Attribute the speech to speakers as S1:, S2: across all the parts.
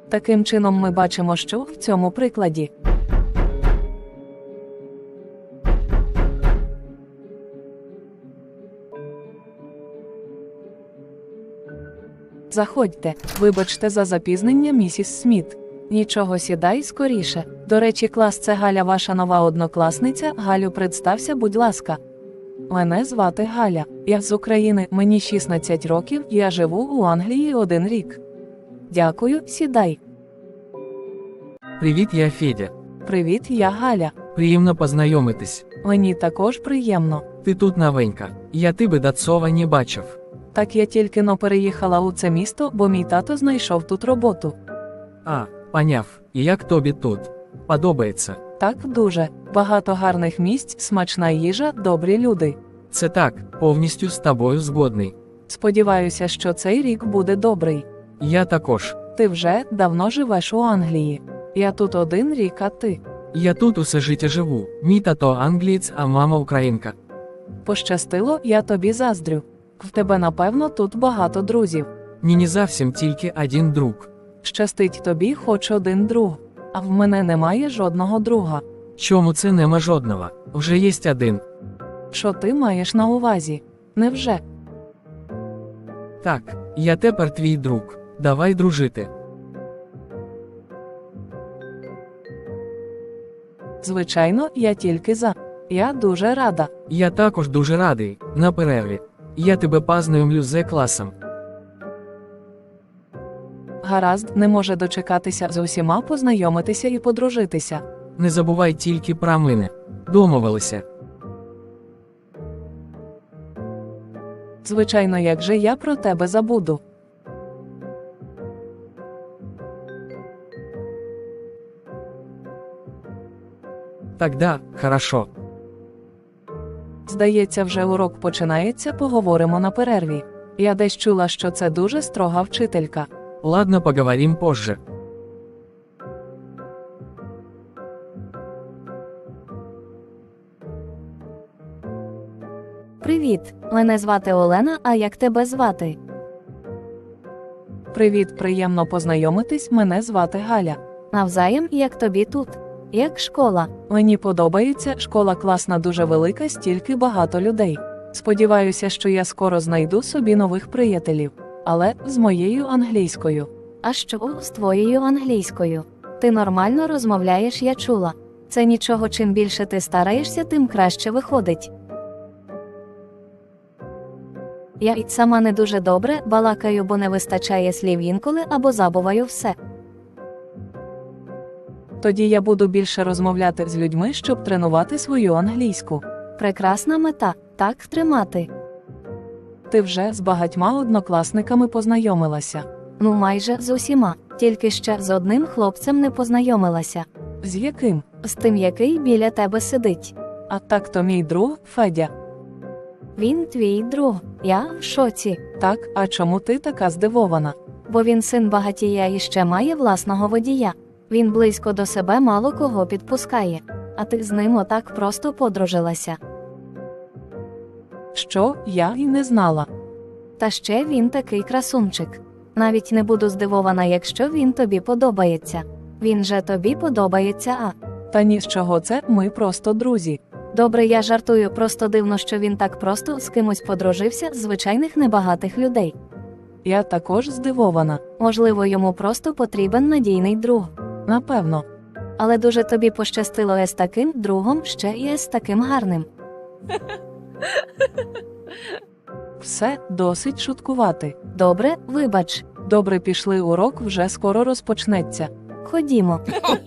S1: Таким чином ми бачимо, що в цьому прикладі заходьте. Вибачте за запізнення, місіс Сміт. Нічого, сідай скоріше. До речі, клас, це Галя, ваша нова однокласниця. Галю, представся, будь ласка. Мене звати Галя. Я з України, мені 16 років, я живу у Англії 1 рік. Дякую, сідай.
S2: Привіт, я Федя.
S1: Привіт, я Галя.
S2: Приємно познайомитись.
S1: Мені також приємно.
S2: Ти тут новенька. Я тебе до цього не бачив.
S1: Так, я тільки-но переїхала у це місто, бо мій тато знайшов тут роботу.
S2: А, поняв. І як тобі тут? Подобається?
S1: Так, дуже. Багато гарних місць, смачна їжа, добрі люди.
S2: Це так, повністю з тобою згодний.
S1: Сподіваюся, що цей рік буде добрий.
S2: Я також.
S1: Ти вже давно живеш у Англії. Я тут 1 рік, а ти?
S2: Я тут усе життя живу. Мій тато англієць, а мама українка.
S1: Пощастило, я тобі заздрю. В тебе, напевно, тут багато друзів.
S2: Ні, не зовсім тільки один друг.
S1: Щастить тобі хоч 1 друг. А в мене немає жодного друга.
S2: Чому це нема жодного? Вже є один.
S1: Що ти маєш на увазі? Невже?
S2: Так, я тепер твій друг. Давай дружити.
S1: Звичайно, я тільки за. Я дуже рада.
S2: Я також дуже радий. На перерві. Я тебе познайомлю з класом.
S1: Гаразд, не може дочекатися з усіма познайомитися і подружитися.
S2: Не забувай тільки про мене. Домовилися.
S1: Звичайно, як же я про тебе забуду.
S2: Тогда, хорошо.
S1: Здається, вже урок починається, поговоримо на перерві. Я десь чула, що це дуже строга вчителька.
S2: Ладно, поговорим позже.
S3: Привіт, мене звати Олена, а як тебе звати?
S1: Привіт, приємно познайомитись, мене звати Галя.
S3: Навзаєм, як тобі тут? Як школа?
S1: Мені подобається, школа класна, дуже велика, стільки багато людей. Сподіваюся, що я скоро знайду собі нових приятелів. Але з моєю англійською.
S3: А що з твоєю англійською? Ти нормально розмовляєш, я чула. Це нічого, чим більше ти стараєшся, тим краще виходить. Я й сама не дуже добре балакаю, бо не вистачає слів інколи або забуваю все.
S1: Тоді я буду більше розмовляти з людьми, щоб тренувати свою англійську.
S3: Прекрасна мета, так тримати.
S1: Ти вже з багатьма однокласниками познайомилася.
S3: Ну майже з усіма, тільки ще з одним хлопцем не познайомилася.
S1: З яким?
S3: З тим, який біля тебе сидить.
S1: А так то мій друг, Федя.
S3: Він твій друг, я в шоці.
S1: Так, а чому ти така здивована?
S3: Бо він син багатія і ще має власного водія. Він близько до себе мало кого підпускає. А ти з ним отак просто подружилася.
S1: Що, я й не знала.
S3: Та ще він такий красунчик. Навіть не буду здивована, якщо він тобі подобається. Він же тобі подобається, а?
S1: Та ні з чого це, ми просто друзі.
S3: Добре, я жартую, просто дивно, що він так просто з кимось подружився з звичайних небагатих людей.
S1: Я також здивована.
S3: Можливо, йому просто потрібен надійний друг.
S1: Напевно.
S3: Але дуже тобі пощастило з таким другом, ще і з таким гарним.
S1: Все, досить шуткувати.
S3: Добре, вибач.
S1: Добре, пішли, урок вже скоро розпочнеться.
S3: Ходімо.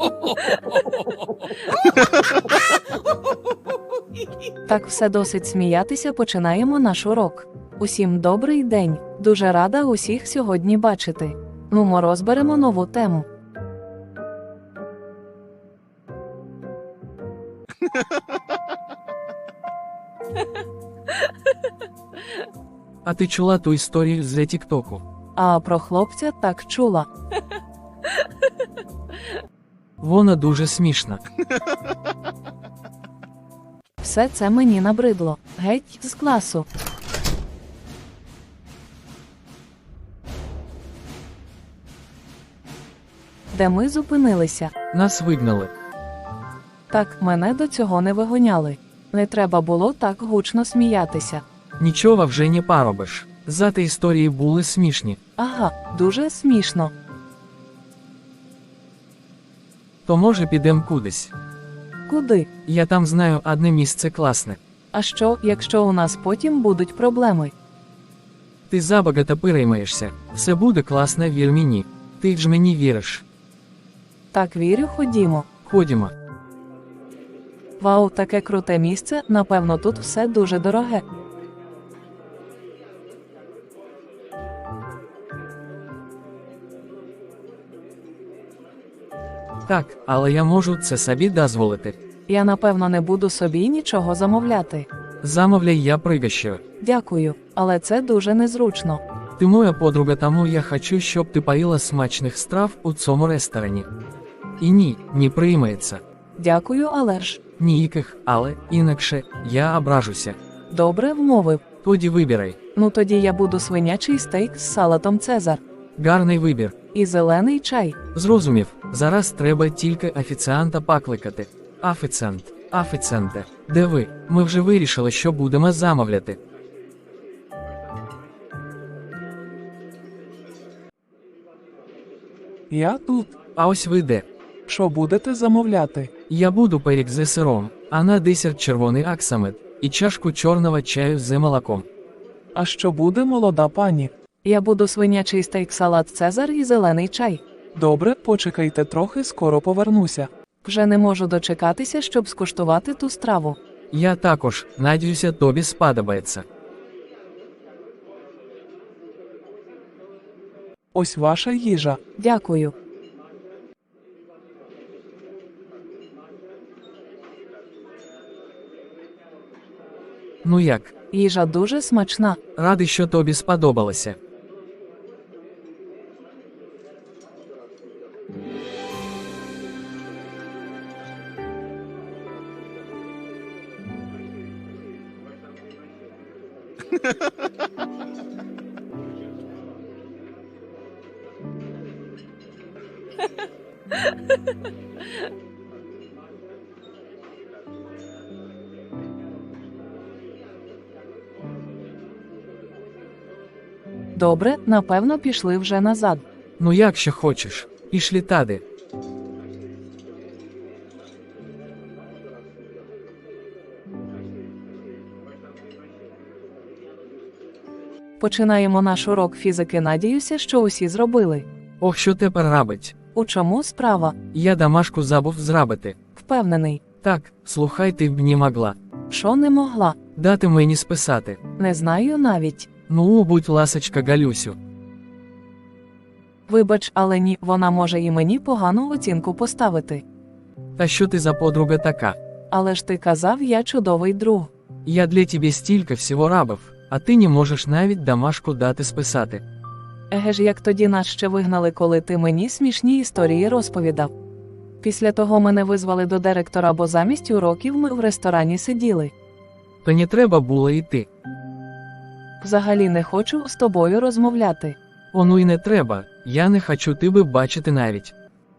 S1: Так, все, досить сміятися, починаємо наш урок. Усім добрий день. Дуже рада усіх сьогодні бачити. Нумо розберемо нову тему.
S2: А ти чула ту історію з Тіктоку?
S1: А про хлопця так чула.
S2: Вона дуже смішна.
S1: Все це мені набридло. Геть з класу. Де ми зупинилися?
S2: Нас вигнали.
S1: Так, мене до цього не вигоняли. Не треба було так гучно сміятися.
S2: Нічого вже не поробиш. Зате історії були смішні.
S1: Ага, дуже смішно.
S2: То може підем кудись.
S1: Куди?
S2: Я там знаю одне місце класне.
S1: А що, якщо у нас потім будуть проблеми?
S2: Ти забагато переймаєшся. Все буде класно, вір мені. Ти ж мені віриш.
S1: Так, вірю, ходімо.
S2: Ходімо.
S1: Вау, таке круте місце, напевно, тут все дуже дороге.
S2: Так, але я можу це собі дозволити.
S1: Я, напевно, не буду собі нічого замовляти.
S2: Замовляй, я пригощаю.
S1: Дякую, але це дуже незручно.
S2: Ти моя подруга, тому я хочу, щоб ти поїла смачних страв у цьому ресторані. І ні, не приймається.
S1: Дякую, але ж.
S2: Ніяких, але, інакше, я ображуся.
S1: Добре, вмовив.
S2: Тоді вибирай.
S1: Ну тоді я буду свинячий стейк з салатом Цезар.
S2: Гарний вибір.
S1: І зелений чай.
S2: Зрозумів, зараз треба тільки офіціанта покликати. Офіціанте, де ви? Ми вже вирішили, що будемо замовляти.
S4: Я тут.
S2: А ось ви де.
S4: Що будете замовляти?
S2: Я буду пиріг з сиром, а на десерт червоний аксамит і чашку чорного чаю з молоком.
S4: А що буде, молода пані?
S1: Я буду свинячий стейк салат Цезар і зелений чай.
S4: Добре, почекайте трохи, скоро повернуся.
S1: Вже не можу дочекатися, щоб скуштувати ту страву.
S2: Я також, надіюся, тобі сподобається.
S4: Ось ваша їжа.
S1: Дякую.
S2: Ну як?
S1: Їжа дуже смачна.
S2: Радий, що тобі сподобалося.
S1: Добре, напевно, пішли вже назад.
S2: Ну якщо хочеш, пішлі тади.
S1: Починаємо наш урок фізики. Надіюся, що усі зробили.
S2: Ох, що тепер робить?
S1: У чому справа?
S2: Я домашку забув зробити.
S1: Впевнений.
S2: Так, слухай, ти б не могла.
S1: Що не могла?
S2: Дати мені списати.
S1: Не знаю навіть.
S2: Ну, будь ласочка, Галюсю.
S1: Вибач, але ні, вона може і мені погану оцінку поставити.
S2: Та що ти за подруга така?
S1: Але ж ти казав, я чудовий друг.
S2: Я для тебе стільки всього робив, а ти не можеш навіть домашку дати списати.
S1: Еге ж, як тоді нас ще вигнали, коли ти мені смішні історії розповідав. Після того мене визвали до директора, бо замість уроків ми в ресторані сиділи.
S2: То не треба було йти.
S1: Взагалі не хочу з тобою розмовляти.
S2: Ону й не треба, я не хочу тебе бачити навіть.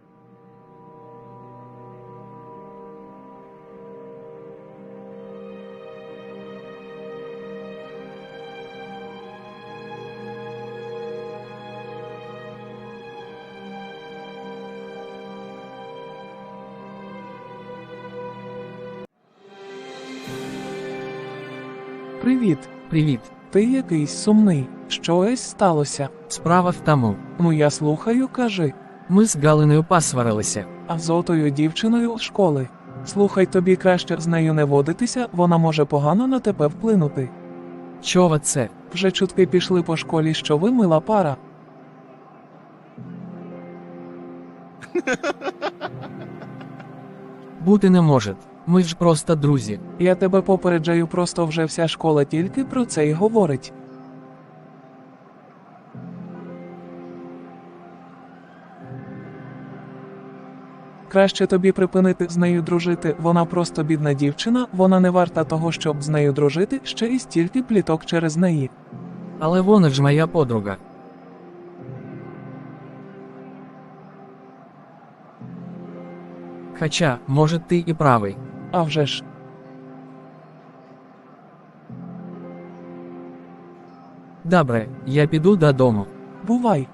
S4: Привіт.
S2: Привіт.
S4: Ти якийсь сумний. Щось сталося.
S2: Справа в тому.
S4: Ну я слухаю, кажи.
S2: Ми з Галиною посварилися.
S4: А з отою дівчиною з школи. Слухай, тобі краще з нею не водитися, вона може погано на тебе вплинути.
S2: Чого це?
S4: Вже чутки пішли по школі, що ви мила пара.
S2: Бути не може. Ми ж просто друзі.
S4: Я тебе попереджаю, просто вже вся школа тільки про це й говорить. Краще тобі припинити з нею дружити, вона просто бідна дівчина, вона не варта того, щоб з нею дружити, ще й стільки пліток через неї.
S2: Але вона ж моя подруга. Хоча, може, ти і правий.
S4: А вже ж.
S2: Добре, я піду додому.
S4: Бувай.